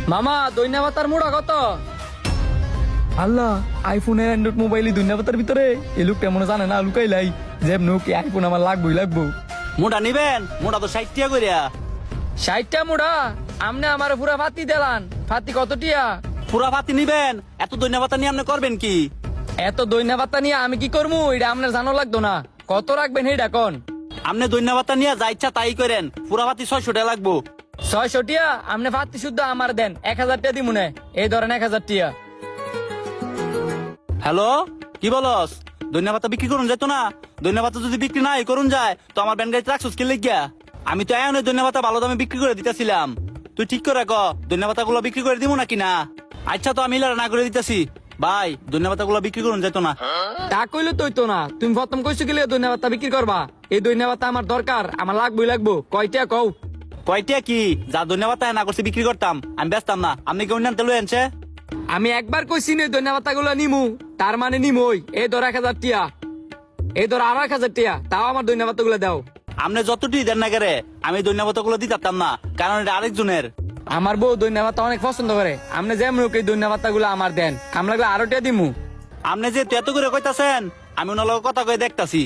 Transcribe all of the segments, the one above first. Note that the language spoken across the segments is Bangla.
মামা দৈন্যা পাতার মোড়া কত? আল্লাহ, আইফোনের অ্যান্ড্রয়েড মোবাইলই দুনিয়া পাতার ভিতরে এই লোকটা মনে জানে না লুকাইলাই যেম নুক আইফোন আমার লাগবো। মোটা নিবেন? মোটা তো 60 টাকা কইরা। 60টা মোড়া? আমনে আমার পুরা ফাতি দিলান। ফাতি কত টিয়া? পুরা ভাতি নিবেন? এত ধন্যবাদ নিয়ে আপনি করবেন কি? এত দৈন্যা পাতা নিয়ে আমি কি করবো এটা আপনার জানো লাগতো না। কত রাখবেন এইটা কোন? আপনি ধন্যবাদ নিয়ে যা ইচ্ছা তাই করেন। পুরা ভাতি 600 টাকা লাগবো। 600 টিয়া? আপনি ফাতি শুদ্ধ আমার দেন, 1000 টিয়া দিমুনে। এই ধরেন 1000 টিয়া। হ্যালো, কি বলস? ধন্যবাদ বিক্রি করুন যেত না? ধন্যবাদ যদি বিক্রি নাই করুন যায় তো আমার ব্যান গাড়িতে রাখছিস কি লিখিয়া? আমি তো এমন ধন্যবাদ ভালো দামে বিক্রি করে দিতেছিলাম। তুই ঠিক করে ক ধন্যবাদ গুলো বিক্রি করে দিব নাকি না? আচ্ছা তো আমি না করে দিতেছি ভাই, ধন্যবাদ গুলো বিক্রি করুন যেত না। তা কইলে তো না, তুমি প্রথম কইছো কি ধন্যবাদ বিক্রি করবা? এই ধন্যবাদ আমার দরকার, আমার লাগবো। কয়টা কও? কয়টা কি? যা ধন্যবাদ না করছি বিক্রি করতাম, আমি ব্যস্তাম না। আপনি কেউ আনতে লই আনছে? আমি একবার কইছি নে ধন্যবাদ গুলো নিমু, তার মানে নিমই। এই ধর 1000 টিয়া, এই ধর আরো 1000 টিয়া, তাও আমার ধন্যবাদ গুলো দাও। আপনি যতটি দেন না কেরে আমি ধন্যবাদ গুলো দিতাম না, কারণ এটা আরেকজনের। আমার বউ ধন্যবাদ অনেক পছন্দ করে। আপনি যেমন হোক এই ধন্যবাদ গুলো আমার দেন, আমি লাগলে আরো টিয়া দিমু। আপনি যে এত করে কইতাছেন আমি ওনার লগে কথা কয়ে দেখতাছি।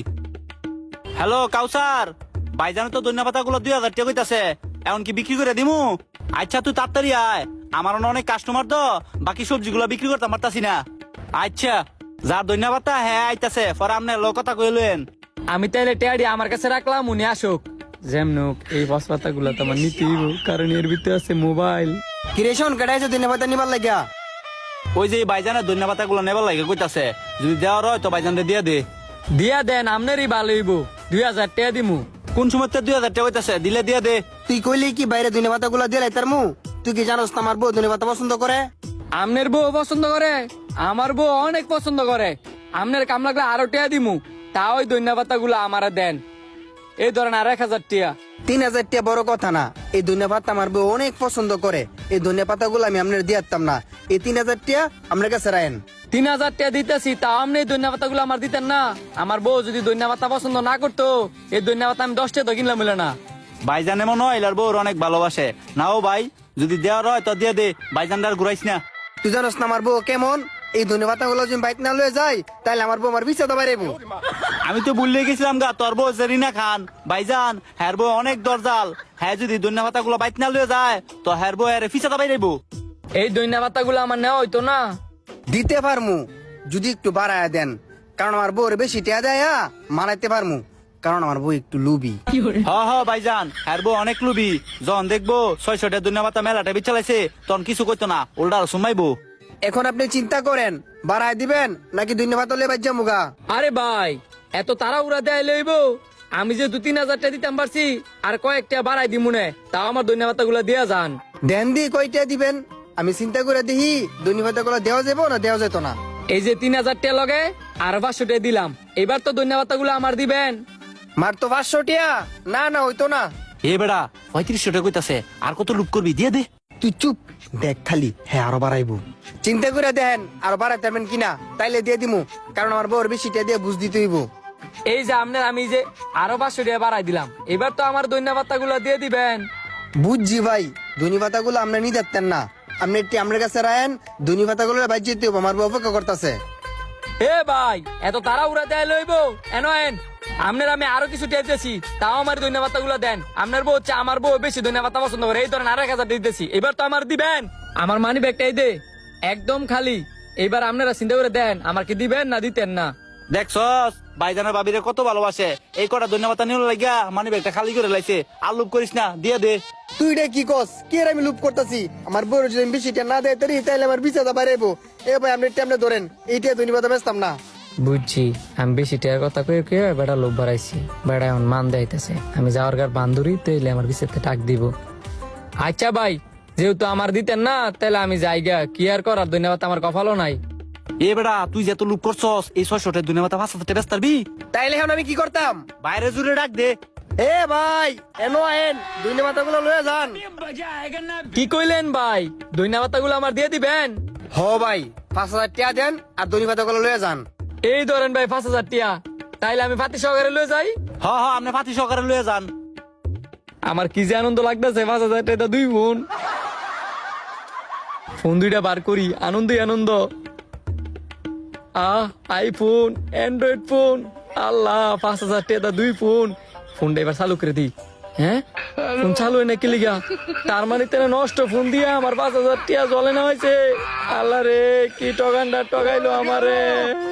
হ্যালো কাউসার, ভাইজান তো ধন্যবাদ গুলো 2000 টাকা কইতাছে, এখন কি বিক্রি করে দিমু? আচ্ছা তুই তাড়াতাড়ি আয়, আমার অনেক কাস্টমার তো, বাকি সবজিগুলো বিক্রি করতে পারতাছি না। আচ্ছা যার ধন্যবাদ হ্যাঁ আইতাছে, পরে আপনার লোক কথা কইলেন। আমি তাইলে টিয়াডি আমার কাছে রাখলাম, উনি আসুক। যেমনুক এই বসপাতা গুলো তো আমার নিতেই হইব, কারণ এর ভিতরে আছে মোবাইল। কিরেশন কেটাইছে ধন্যবাদ নিবার লাগিয়া? ওই যে ভাইজানের ধন্যবাদ গুলো নেবার লাগে কইতাছে, যদি দেওয়ার হয় তো ভাইজান দিয়ে দে। দিয়া দেন, আপনারই ভালো হইব। 2000 টাকা দিমু। কোন সময় 2000 টাকা কইতাছে, দিলে দিয়ে দে। তুই কইলি কি বাইরে ধন্যবাদ গুলা দিয়ে লাইতার মু? তুই কি জানোস না আমার বউ ধন্যবাদ পছন্দ করে? আমনের বউ পছন্দ করে? আমার বউ অনেক পছন্দ করে। আমনের কাম লাগলে আরো টিয়া দিমু, তা ওই ধন্যবাদ গুলো আমারা দেন। এই ধরেন আর 1000 টিয়া। 3000 টাকা বড় কথা না, এই ধন্যবাদ আমার বউ অনেক পছন্দ করে। এই ধন্যবাদ গুলো আমি আপনার দিয়াতাম না, এই 3000 টাকা আপনার কাছে রাখেন। 3000 টাকা দিতেছি, তাও আপনি এই ধন্যবাদ গুলো আমার দিতেন না? আমার বউ যদি ধন্যবাদ পছন্দ না করতো, এই ধন্যবাদ আমি 10 টাকা তো কিনলাম বলে না। ভাইজান এমন হয় এলার বউর অনেক ভালোবাসে। নাও ভাই, যদি দেওয়ার হয় তো দিয়ে দে, ভাইজান আর ঘুরাইস না। তুই জানোস না আমার বউ কেমন? এই ধন্যবাদ গুলো যদি বাইক না লয়ে যায় তাহলে আমার বউ আমার বিছা দাবাইব। আমি তো ভুলে গেছিলাম গা, তোর বউ জেরিনা খান ভাইজান, হ্যার বউ অনেক দরজাল। হ্যাঁ যদি ধন্যবাদ গুলো বাইক না লয়ে যায় তো হ্যার বউ এর ফিসা দাবাই দেবো। এই ধন্যবাদ গুলো আমার নেওয়া হইতো না? দিতে পারমু যদি একটু বাড়ায় দেন, কারণ আমার বউর বেশি টিয়া দেয় মারাইতে পারমু, কারণ আমার বউ একটু লুবি। হ ভাইজান, হ্যার বউ অনেক লুবি। যখন দেখবো 600 টাকা ধন্যবাদ মেলাটা বিচালাইছে তখন কিছু করতো না, উল্টা আরো সুমাইবো। এখন আপনি চিন্তা করেন বাড়ায় দিবেন নাকি ধন্যবাদ হলে বাজ্যা মুগা? আরে ভাই, এত তারা উড়া দেয় লইব? আমি যে 2-3000 টাকা দিতাম পারছি, আর কয়েকটা বাড়াই দিমুনে, তাও আমার ধন্যবাদ গুলো দিয়া যান। দেন দি কয়টা দিবেন আমি চিন্তা করে দেখি ধন্যবাদ গুলো দেওয়া যাবো না দেওয়া যেত না। এই যে 3000 টাকা লগে আর 500 টাকা দিলাম, এবার তো ধন্যবাদ গুলো আমার দিবেন। মার তো 500 টিয়া না হইতো না। এ বেড়া 3500 টাকা কইতাছে, আর কত লুক করবি, দিয়ে দে। তুই চুপ দেখ খালি, হ্যাঁ আরো বাড়াইবো। চিন্তা করে দেখেন আরো বাড়াইতে পারবেন কিনা, তাইলে দিয়ে দিমু, কারণ আমার বউর বেশি টিয়া দিয়ে বুঝ দিতে হইব। এই যে আপনার আমি যে আরো 500 টাকা বাড়াই দিলাম, এবার তো আমার ধন্যবাদ গুলো দিয়ে দিবেন। বুঝছি ভাই, ধন্যবাদ গুলো আপনি নিয়ে যাচ্ছেন না, আপনি একটি আমার কাছে রায়েন, ধন্যবাদ গুলো বাজ্য দিতে হইব, আমার বউ অপেক্ষা করতেছে। এ ভাই, এত তারা উড়া দেয় লইব এন এন। আপনার আমি আরো কিছু টের দিয়েছি, তাও আমার ধন্যবাদ গুলো দেন। আপনার বউ হচ্ছে আমার বউ বেশি ধন্যবাদ পছন্দ করে, এই ধরেন আর 1000 দিতেছি, এবার তো আমার দিবেন। আমার মানি ব্যাগটাই দে, একদম খালি। এবার আপনারা চিন্তা করে দেন আমার কি দিবেন না দিতেন না। দেখছস ভাইজানের বাবিরে কত ভালোবাসে, এই কটা ধন্যবাদ নিয়ে লাগিয়া মানে ব্যাগটা খালি করে লাইছে। আর লুপ করিস না, দিয়ে দে। তুই রে কি কস? কি আর আমি লুপ করতেছি? আমার বউর যদি আমি বেশি টিয়া না দেয় তাইলে আমার বিছা দা বাড়াইবো। এ ভাই আপনি টেমনে ধরেন, এইটা ধন্যবাদ বেচতাম না। বুঝছি, আমি বেশি টাকার কথা কয়ে কয়ে বেড়া লোভ বাড়াইছি, বেড়া এখন মান দেয়তেছে। আমি যাওয়ার গার বান্ধবী তাইলে আমার বিশেষে টাক দিব। আচ্ছা ভাই, যেহেতু আমার দিতেন না তাহলে আমি যাই গা, কি আর করার, ধন্যবাদ আমার কপালও নাই। এ বেড়া তুই যে এত লুক করছস, এই 600 টাকা ধন্যবাদ 500 টাকা ব্যস্ত পারবি? তাইলে এখন আমি কি করতাম? বাইরে জুড়ে ডাক দে। এ ভাই এনো আইন, ধন্যবাদ গুলো লয়ে যান। কি কইলেন ভাই? ধন্যবাদ গুলো আমার দিয়ে দিবেন? হ ভাই 5000 টিয়া দেন আর ধন্যবাদ গুলো লয়ে যান। এই ধরেন ভাই 5000 টিয়া, তাইলে আমি ফাতি সহকারে লয়ে যাই। আপনি ফাতি সহকারে লয়ে যান। আমার কি যে আনন্দ লাগতেছে, 5000 টাকা 2 গুণ। ফোন দুইটা বার করি, আনন্দই আনন্দ। আইফোন, অ্যান্ড্রয়েড ফোন, আল্লাহ 5,000 টাকা দুই ফোন। ফোনটা এবার চালু করে দিই। হ্যাঁ, ফোন চালু হয় না কি লিগা? তার মানে তেনে নষ্ট ফোন দিয়া আমার 5,000 টাকা জলে না হয়েছে। আল্লাহ রে, কি টগানটা টগাইলো আমারে।